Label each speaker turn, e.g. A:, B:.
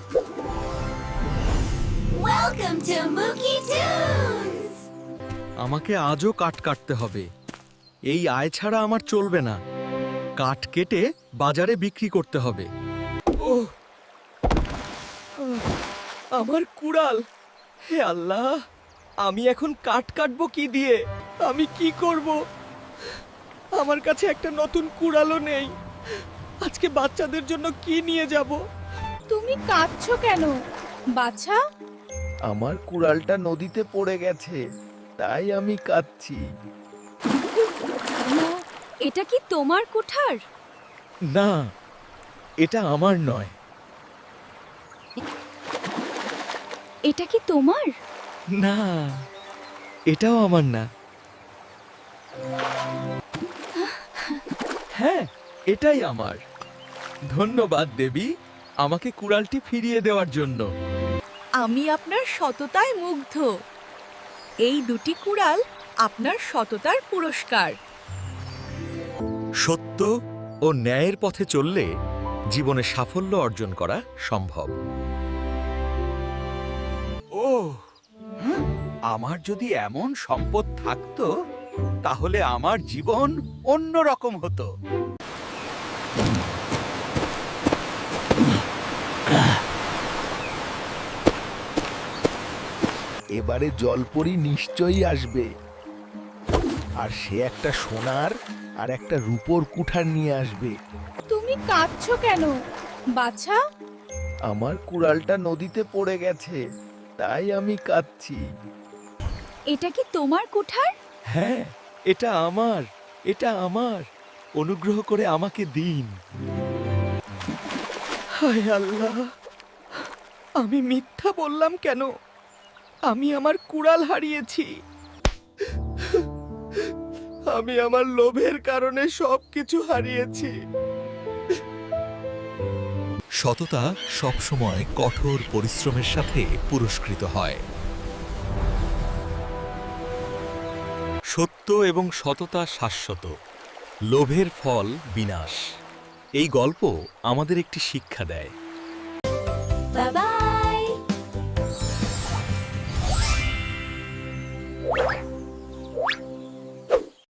A: Welcome to Mookie Tunes!
B: আমাকে আজও কাঠ কাটতে হবে। এই আয় ছাড়া আমার চলবে না। কাঠ কেটে বাজারে বিক্রি করতে হবে। ওহ, আমার কুড়াল! হে আল্লাহ, আমি এখন কাঠ কাটবো কি দিয়ে? আমি কি করব? আমার কাছে একটা নতুন কুড়ালও নেই। আজকে বাচ্চাদের জন্য কি নিয়ে যাব?
C: তুমি কাঁদছো কেন বাছা?
D: আমার কুড়ালটা নদীতে পড়ে গেছে, তাই আমি কাঁদছি।
C: এটা কি তোমার কুঠার?
B: না, এটা আমার নয়।
C: এটা কি তোমার?
B: না, এটাও আমার না। হ্যাঁ, এটাই আমার। ধন্যবাদ দেবী, আমাকে কুড়ালটি ফিরিয়ে দেওয়ার জন্য।
C: আমি আপনার সততায় মুগ্ধ। এই দুটি কুড়াল আপনার সততার পুরস্কার।
B: সত্য ও ন্যায়ের পথে চললে জীবনে সাফল্য অর্জন করা সম্ভব। ও, আমার যদি এমন সম্পদ থাকতো তাহলে আমার জীবন অন্যরকম হতো।
D: এবারে জলপরি নিশ্চয়ই আসবে, আর সে একটা সোনার আর একটা রূপোর কুঠার নিয়ে আসবে।
C: তুমি কাঁদছো কেন বাছা?
D: আমার কুড়ালটা নদীতে পড়ে গেছে, তাই আমি কাঁদছি।
C: এটা কি তোমার কুঠার?
B: হ্যাঁ, এটা আমার, এটা আমার। অনুগ্রহ করে আমাকে দিন। হায় আল্লাহ, আমি মিথ্যা বললাম কেন? আমি আমার কুড়াল হারিয়েছি। আমি আমার লোভের কারণে সবকিছু হারিয়েছি।
E: সততা সবসময় কঠোর পরিশ্রমের সাথে পুরস্কৃত হয়। সত্য এবং সততা শাশ্বত, লোভের ফল বিনাশ। এই গল্প আমাদের একটি শিক্ষা দেয়।
A: Bye bye!